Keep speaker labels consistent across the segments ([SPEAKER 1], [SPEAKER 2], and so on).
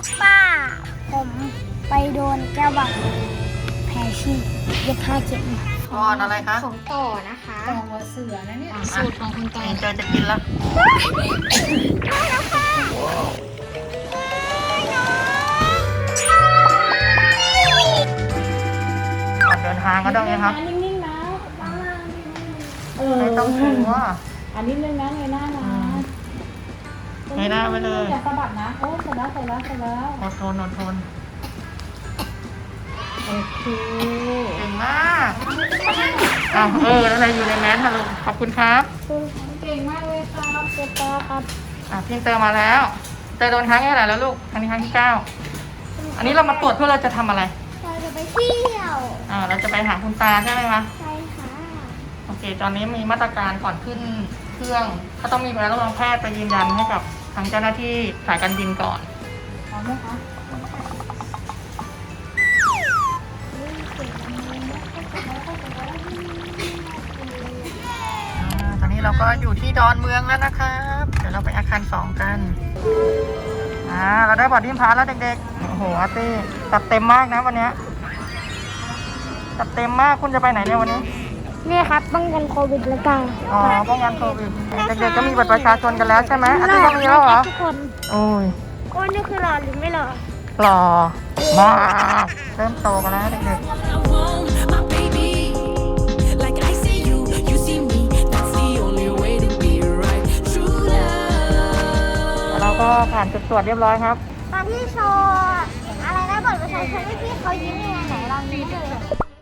[SPEAKER 1] กปลาผมไปโดนแก้วบังแผลฉีกเย็บผ้าเข็ม
[SPEAKER 2] ก่อนอะไรคะ
[SPEAKER 1] ของต่อนะคะ
[SPEAKER 3] ต่อหัวเสือนะเนี่ย
[SPEAKER 1] สูตรของคุณต่อ
[SPEAKER 2] เจอจะกินแล้วก่อนเดินทางก็ต้องไงครับ
[SPEAKER 3] นิ่งๆนะ
[SPEAKER 2] ไม่ต้องกลัว
[SPEAKER 3] อันนี้นึงนะเงยหน้านะ
[SPEAKER 2] เงยหน้าไว้เลย
[SPEAKER 3] อย่าสะบัดนะโอ้เสร็จแล้ว
[SPEAKER 2] อดทนอดทน
[SPEAKER 3] โอเค
[SPEAKER 2] เก่งมากอ้าวแล้วอะไรอยู่ในแมสค่ะลูกขอบคุณครับ
[SPEAKER 3] เก่งมากเลยครับเจ๊ปอครับ
[SPEAKER 2] พี่เตอมาแล้วเตอโดนครั้งที่เท่าไหร่แล้วลูกครั้งนี้ครั้งที่ 9อันนี้เรามาตรวจเพื่อเราจะทำอะไร
[SPEAKER 1] เราจะไปเที่ยว
[SPEAKER 2] เราจะไปหาคุณตาใช่ไหมคะ
[SPEAKER 1] ใช่ค่ะ
[SPEAKER 2] โอเคตอนนี้มีมาตรการก่อนขึ้นเครื่องก็ต้องมีใบรับรองแพทย์ไปยืนยันให้กับทางเจ้าหน้าที่สายการบินก่อน
[SPEAKER 3] พร้อมไหมคะ
[SPEAKER 2] ตอนนี้เราก็อยู่ที่ดอนเมืองแล้วนะครับ เดี๋ยวเราไปอาคาร 2 กันเราได้บอร์ดดิ้งพาสแล้วเด็กๆ โอ้โหอาร์ตี้จัดเต็มมากนะวันนี้จัดเต็มมากคุณจะไปไหนเนี่ยวันนี้
[SPEAKER 1] นี่ครับป้องกันโควิดแล้วกัน
[SPEAKER 2] อ๋อป้องกันโควิดเด็กๆก็มีบัตรประชาชนกันแล้วใช่ไหมอาร์ตี้ก็มีแล้วเหรอ
[SPEAKER 1] ทุกคน
[SPEAKER 2] โอ้ย
[SPEAKER 1] โอ้ยนี่คือหล่อหรือไม่หล่อ
[SPEAKER 2] หล่อมากเริ่มโตกันแล้วเด็กๆ
[SPEAKER 4] I want my baby. Like I see you, you see me. That's the only way to be right. True love.
[SPEAKER 2] เราก็ผ่านจุดตรวจเรียบร้อยครับ
[SPEAKER 1] ตอนที่โชว์อะไรนะบัตรประชาชนให้พี่เขายิ้มยังไงไหนลองยิ้มเลย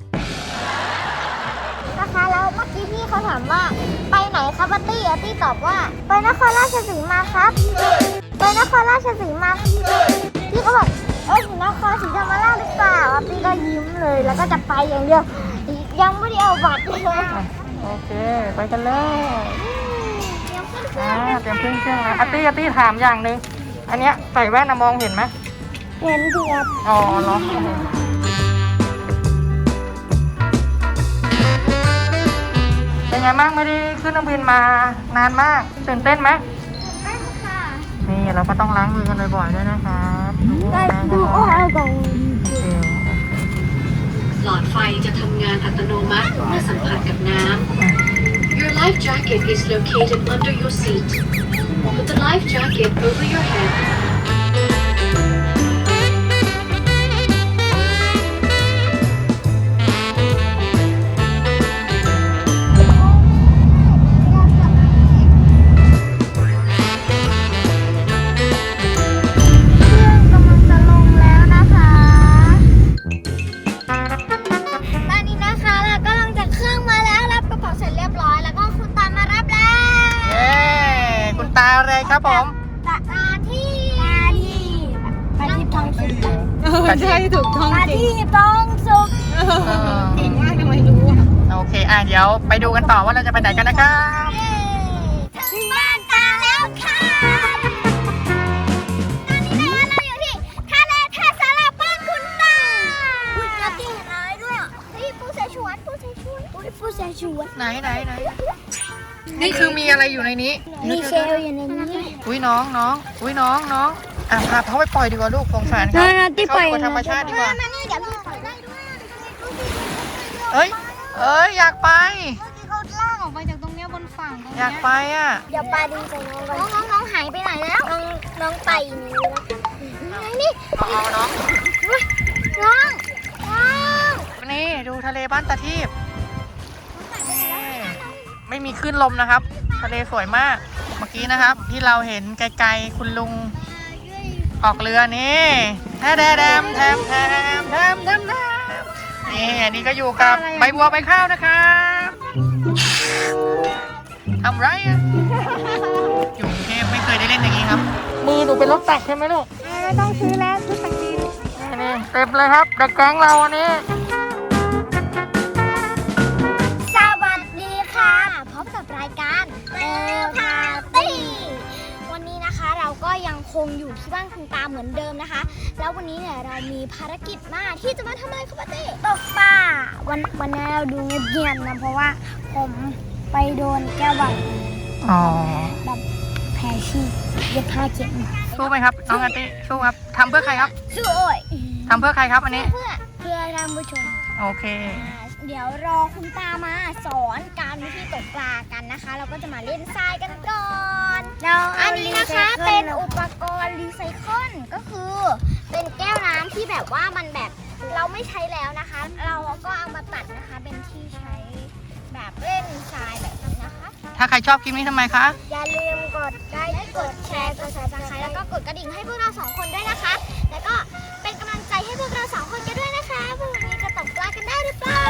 [SPEAKER 1] นะคะแล้วเมื่อกี้พี่เขาถามว่าไปไหนครับอาร์ตี้ตอบว่าไปนครราชสีมาครับไปนครราชสีมาพี่ก็บอกถึงนครศรีธรรมราชหรือเปล่าอาร์ตี้ก็ยิ้มเลยแล้วก็จะไปอย่างเดียวยังไม่ได้เอาบัตรเลย
[SPEAKER 2] โอเค ไปกันเลย
[SPEAKER 1] ยังขึ้นเครื่อง
[SPEAKER 2] เตรียมเครื่องแล้วอาร์ตี้ถามอย่างหนึ่งอันเนี้ยใส่แว่นมองเห็นไหม
[SPEAKER 1] เห็นเพียบ
[SPEAKER 2] อ๋อเหรอเป็นไงบ้างไม่ได้ขึ้นเครื่องบินมานานมากตื่นเต้นไหม
[SPEAKER 1] ได้ค่ะ
[SPEAKER 2] นี่เราก็ต้องล้างมือกันบ่อยๆด้วยนะครับ
[SPEAKER 1] ได้ดูโอ้ยก่อน
[SPEAKER 2] โอเค
[SPEAKER 5] หลอดไฟจะทำงานอัตโนมัติเมื่อสัมผัสกับน้ำ Your life jacket is located under your seat. Put the life jacket over your head.
[SPEAKER 1] กำลังจะลงแล้วนะคะตอนนี้นะคะเราก็ลงจากเครื่องมาแล้วรับกระเป๋าเสร็จเรียบร้อยแล้วก็คุณตามารับแล้ว
[SPEAKER 2] เย้คุณตาอะไรครับผม
[SPEAKER 1] ตาที่ทองสุก
[SPEAKER 3] ใช่ถูกต้อง
[SPEAKER 1] ตา
[SPEAKER 3] จริง
[SPEAKER 1] ที่ทองสุก
[SPEAKER 3] เก่งมากทำไมรู้อ่ะ
[SPEAKER 2] โอเคเดี๋ยวไปดูกันต่อว่าเราจะไปไหนกันนะครับ
[SPEAKER 1] ถึงบ้านตาแล้วค่ะตอนนี้นะคะเราอยู่ที่ทะเลท่าสาราบ้านคุณตาอุ้ยเราตีเห็นอะไรด้วยอ่ะเฮ้ยปูเสฉวนปูเสฉวนปูเสฉวน
[SPEAKER 2] ไหนนี่คือมีอะไรอยู่ในนี้
[SPEAKER 1] มีเชลอยู่ในนี้
[SPEAKER 2] อุ้ยน้องพาเขาไปปล่อยดีกว่าลูกสงสารเขา
[SPEAKER 1] น่าที่ปล่อย
[SPEAKER 2] เข้าสู่ธรรมชาติดีกว่า
[SPEAKER 1] มานี่เดี๋ยวพี่ปล่อยได้ด้วย
[SPEAKER 2] เอ้ยอยากไป
[SPEAKER 3] เขาลากออกไปจากตรงเนี้ยบนฝั่งตรง
[SPEAKER 2] อ
[SPEAKER 3] เนี้
[SPEAKER 2] ยากไปอ่ะ
[SPEAKER 1] เดี๋ยวปลาดึงใส่น้องก่อนน้องหายไปไหนแล้ว น้องไปนี่แล้วนี่
[SPEAKER 2] เอาน้อง
[SPEAKER 1] น้อง
[SPEAKER 2] นี่ดูทะเลบ้านตาทีพไม่มีคลื่นลมนะครับ ทะเลสวยมากเมื่อกี้นะครับ ที่เราเห็นไกลๆคุณลุงออกเรือนี่แทมนี่อันนี้ก็อยู่กับใบบัวใบข้าวนะครับทำไรอ่ะอยู่กรุงเทพไม่เคยได้เล่นอย่างนี้ครับ มือหนูเป็นรถตักใช่ไหมลูก
[SPEAKER 1] ไม่ต้องซื้อแล้วซื้อสักที
[SPEAKER 2] นี่เต็มเลยครับเด็กแก๊งเราอันนี้
[SPEAKER 1] สวัสดีค่ะพบกับรายการเตลพาตี้วันนี้นะคะเราก็ยังคงอยู่ที่บ้านคุณตาเหมือนเดิมนะคะ แล้ววันนี้เนี่ยเรามีภารกิจมาที่จะมาทำอะไรครับป้าตี้ตกปลาวันนี้เราดูเงียบๆนะเพราะว่าผมไปโดนแก้วบัง
[SPEAKER 2] อ๋อ
[SPEAKER 1] แบบแผลฉีกเย็บผ้าเข็ม
[SPEAKER 2] สู้ไหมครับน้องอาร์ตี้สู้ครับทำเพื่อใครครับ
[SPEAKER 1] สู้โอ้ย
[SPEAKER 2] ทำเพื่อใครครับอันนี้
[SPEAKER 1] เพื่อท่านผู้ชม
[SPEAKER 2] โอเค
[SPEAKER 1] เดี๋ยวรอคุณตามาสอนการวิธีตกปลากันนะคะ เราก็จะมาเล่นทรายกันก่อนอันนี้นะคะเป็นอุปกรณ์รีไซเคิลก็คือเป็นแก้วน้ำที่แบบว่ามันแบบเราไม่ใช้แล้วนะคะ เราก็เอามาตัดนะคะเป็นที่ใช้แบบเล่นทรายแบบนี้นะคะ
[SPEAKER 2] ถ้าใครชอบคลิปนี้ทำไมคะ
[SPEAKER 1] อย่าลืมกดไลค์กดแชร์กด Subscribe แล้วก็กดกระดิ่งให้พวกเราสองคนด้วยนะคะ แล้วก็เป็นกำลังใจให้พวกเราสองคนกันด้วยนะคะพรุ่งนี้จะตกปลากันได้หรือเปล่า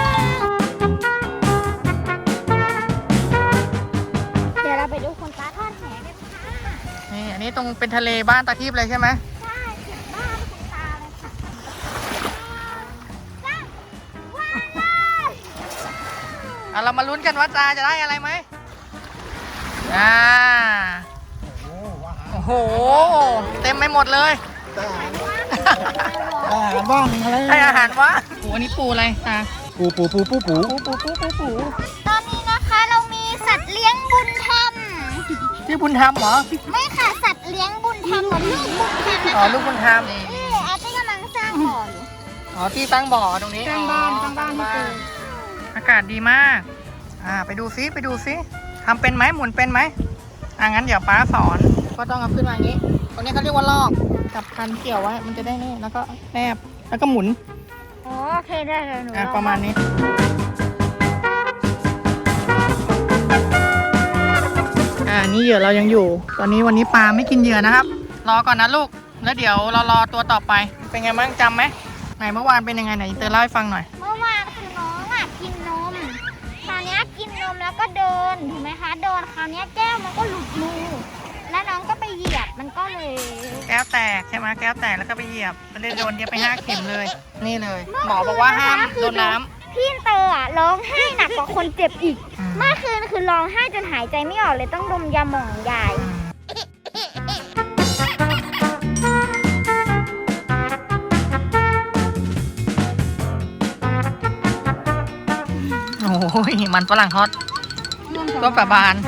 [SPEAKER 1] เดี๋ยวเราไปดูคนตาทอดแหกันค่ะ
[SPEAKER 2] นี่อันนี้ตรงเป็นทะเลบ้านตาทิพย์เลยใช่ไหม
[SPEAKER 1] ใช่ถึงบ้านคุณตาเลยค่ะจ้าว้าวเลย
[SPEAKER 2] เรามาลุ้นกันว่าตาจะได้อะไรไหมโอ้โหเต็มไปหมดเลย
[SPEAKER 1] ว่
[SPEAKER 3] บ้างอะไร
[SPEAKER 2] ให้อาหารวะโอ้อันนี้ปูอะไรตา
[SPEAKER 3] ปู
[SPEAKER 2] ปู
[SPEAKER 1] ตอนนี้นะคะเรามีสัตว์เลี้ยงบุญธรรม
[SPEAKER 2] ที่บุญธรรมเหรอ
[SPEAKER 1] ไม่ค่ะสัตว์เลี้ยงบุญธรรมเหมือนลูกบุญธรรมนะ
[SPEAKER 2] อ๋อ
[SPEAKER 1] คะ
[SPEAKER 2] ลูกบุญธรรม
[SPEAKER 1] นี่อาร์ตี้กำลังสร้างบ่ออยู่
[SPEAKER 2] อ๋อที่ตั้งบ่อตรงนี้
[SPEAKER 3] ตั้งบ้านให้เจอ
[SPEAKER 2] อากาศดีมากไปดูซิทำเป็นไหมหมุนเป็นไหมงั้นเดี๋ยวป้าสอนก็ต้องเอาขึ้นมาอย่างนี้ตรงนี้เขาเรียกว่าลอกจับคันเกี่ยวไว้มันจะได้นี่แล้วก็แนบแล้วก็หมุน
[SPEAKER 1] โอเคได้เลยหนู
[SPEAKER 2] ประมาณนี้นี่เหยื่อเรายังอยู่ ตอนนี้วันนี้ปลาไม่กินเหยื่อนะครับ รอก่อนนะลูกแล้วเดี๋ยวเรารอตัวต่อไปเป็นไงบ้างจำไหมไหนเมื่อวานเป็นยังไงไหนเตอเล่าให้ฟังหน่อย
[SPEAKER 1] เมื่อวานคือน้องกินนมคราวนี้กินนมแล้วก็เดินถูกไหมคะเดินคราวนี้แก้วมันก็หลุดมือแล้วน้องก็ไปเหยียบมันก็เลย
[SPEAKER 2] แก้วแตกใช่ไหมแก้วแตกแล้วก็ไปเหยียบแล้วเลยโดนเย็บไป5 เข็มเลย นี่เลย หมอบอกว่าห้ามโดนน้ำ
[SPEAKER 1] พี่เตอร้องไห้หนักกว่าคนเจ็บอีกเมื่อคืนคือร้องไห้จนหายใจไม่ออกเลยต้องดมยาหม่องยาย
[SPEAKER 2] โอ้ยมันฝรั่งทอดก็ประบาน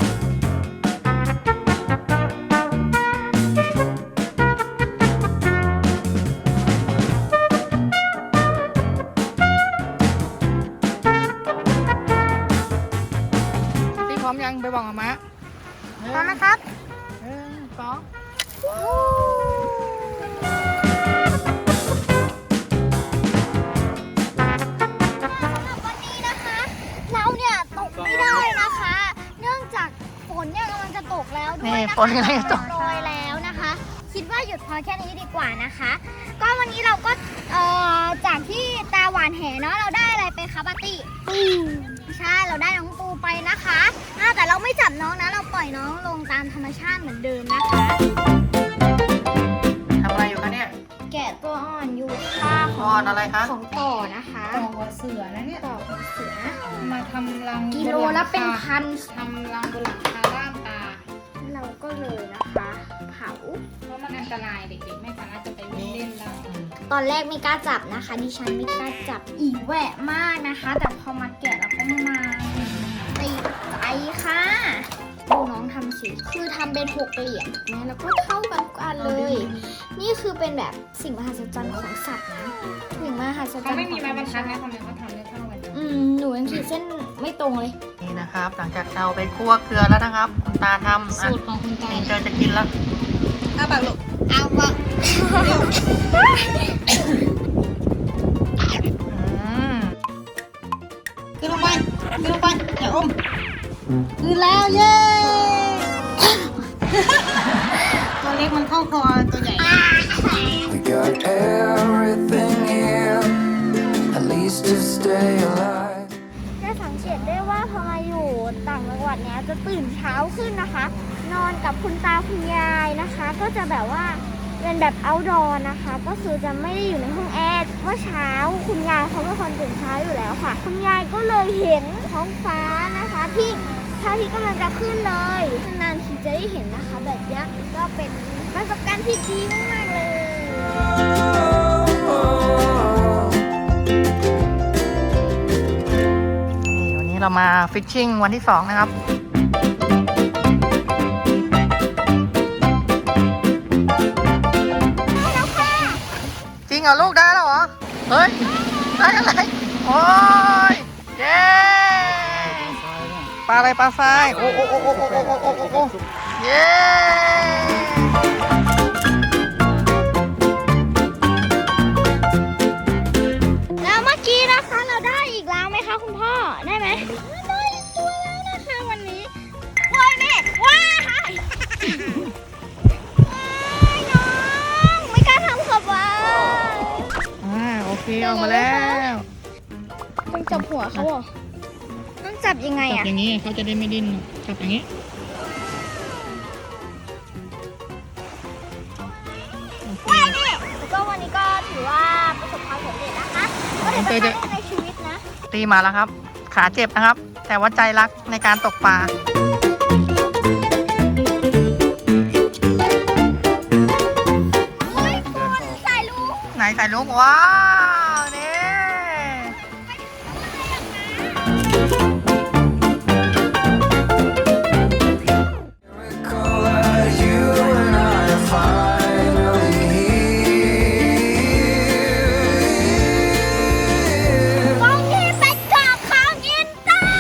[SPEAKER 2] พี่พร้อมยังไปบอกกับมะ
[SPEAKER 1] พร้อมนะครับ
[SPEAKER 2] 2
[SPEAKER 1] วันนี้นะคะเราเนี่ยตกไม่ได้นะคะ เนื่องจากฝนเนี่ยกำลังจะตกแล้วด้วย
[SPEAKER 2] นี่
[SPEAKER 1] นะคะ
[SPEAKER 2] ฝนกำลังจะตก
[SPEAKER 1] โรยแล้วนะคะ คิดว่าหยุดพอแค่นี้ดีกว่านะคะ ก็วันนี้เราก็จากที่ตาหวานแหเนาะเราได้อะไรไปคะปาร์ตี้ปูใช่เราได้น้องปูไปนะคะแต่เราไม่จับน้องนะเราปล่อยน้องลงตามธรรมชาติเหมือนเดิมนะคะ
[SPEAKER 2] ทำอะไรอยู่คะเนี่ย
[SPEAKER 1] แกะตัวอ่อนอยู่ค่ะ
[SPEAKER 2] อ่อนอะไรคะ
[SPEAKER 1] ของต่อนะคะ
[SPEAKER 3] ต่อหัวเสือนะเนี่ย
[SPEAKER 1] ต่อของเสือ
[SPEAKER 3] มาทำรัง
[SPEAKER 1] กิโลละเป็นพัน
[SPEAKER 3] ทำรังบนหลังคาด้านตา
[SPEAKER 1] เราก็เลยนะคะเผา
[SPEAKER 3] เพราะมันอันตรายเด็กๆไม่สามารถจะไปวิ่งเล่นได้
[SPEAKER 1] ตอนแรกไม่กล้าจับนะคะ ดิฉันไม่กล้าจับอีแหวะมากนะคะ แต่พอมาแกะแล้วก็มาติดใจค่ะดูน้องทำสิคือทำเป็น6 เหรียญถูกไหมแล้วก็เท่ากันทุกอันเลย นี่คือเป็นแบบสิ่งมหัศจรรย์ของสัตว์นะสิ่งมหัศจรรย์
[SPEAKER 3] เขาไม่มีไม้บรรทัด
[SPEAKER 1] นะ
[SPEAKER 3] นะทำไมเขาทำได้เท่ากัน
[SPEAKER 1] หนูยังขีดเส้นไม่ตรงเลย
[SPEAKER 2] นี่นะครับ หลังจากเราไปคั่วเกลือแล้วนะครับคุณตาทำ
[SPEAKER 3] สูตรของคุณตา
[SPEAKER 2] นี่เจอจะกินแล้ว
[SPEAKER 1] เอาวะ
[SPEAKER 3] ขึ้นลงไปอย่าอมขึ้นแล้วเย้ ตัวเล็กมันเข้าคอตัวใหญ่
[SPEAKER 6] We got everything here, at least to stay alive.
[SPEAKER 1] ได้สังเกตได้ว่าพอมาอยู่ต่างจังหวัดเนี้ยจะตื่นเช้าขึ้นนะคะ นอนกับคุณตาคุณยายนะคะ ก็จะแบบว่าเป็นแบบ outdoor นะคะ ก็คือจะไม่ได้อยู่ในห้องแอร์เพราะเช้าคุณยายเขาเป็นคนตื่นเช้าอยู่แล้วค่ะ คุณยายก็เลยเห็นท้องฟ้านะคะที่พระอาทิตย์กำลังจะขึ้นเลยนานทีจะได้เห็นนะคะ แบบนี้ก็เป็นประสบการณ์ที่ดีมากๆเลย
[SPEAKER 2] นี่วันนี้เรามาฟิชชิ่งวันที่ 2 นะครับริงเหรอลูกได้แล้วเหรอ เฮ้ย ได้อะไร โอ้ย เย้ปลาอะไรปลาทราย โอ้โอ้โอ้โอ้โอ้โอ้โอ้โอ้โอ้เย้
[SPEAKER 1] แล้วเมื่อกี้นะคะเราได้อีกแล้วไหมคะคุณพ่อ ได้ไหมได้อีกตัวแล้วนะคะวันนี้ว้ายแม่ว้ายว้ายน้องไม่กล้าทำขอบว่า
[SPEAKER 2] โอเคออกมาแล้ว
[SPEAKER 1] ต้องจับหัวเขาเหรอต้องจับยังไง
[SPEAKER 2] จับ
[SPEAKER 1] อะ
[SPEAKER 2] อย่างนี้เขาจะได้ไม่ดิ้นจับอย่างนี้
[SPEAKER 1] ว้ายแม่แล้วก็วันนี้ก็ถือว่าประสบความสำเร็จนะคะก็ถือเป็นครั้งแรกในชีวิตนะ
[SPEAKER 2] ตีมาแล้วครับ ขาเจ็บนะครับ แต่ว่าใจรักในการตกปลา
[SPEAKER 1] โอ้ยคุณใส่ลูก
[SPEAKER 2] ไหนใส่ลูกว้าวนี่
[SPEAKER 6] Miracle that you and I are finally here.
[SPEAKER 1] กองที่เป็นกอบของอินเตอร์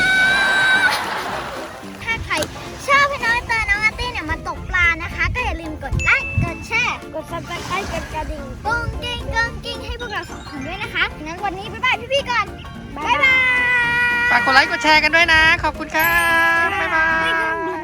[SPEAKER 1] ถ้าใครชอบให้น้องอินเตอร์น้องอาร์ตี้เนี่ยมาตกปลานะคะ ก็อย่าลืมกดไลค์กดแชร์กดซับสไครต์กดกระดิ่งกุ้งกิ้งให้พวกเราสองคนด้วยนะคะงั้นวันนี้บ๊ายบายพี่ๆก่อนบ๊ายบาย
[SPEAKER 2] ฝากกดไลค์กดแชร์กันด้วยนะ ขอบคุณครับ บ๊ายบาย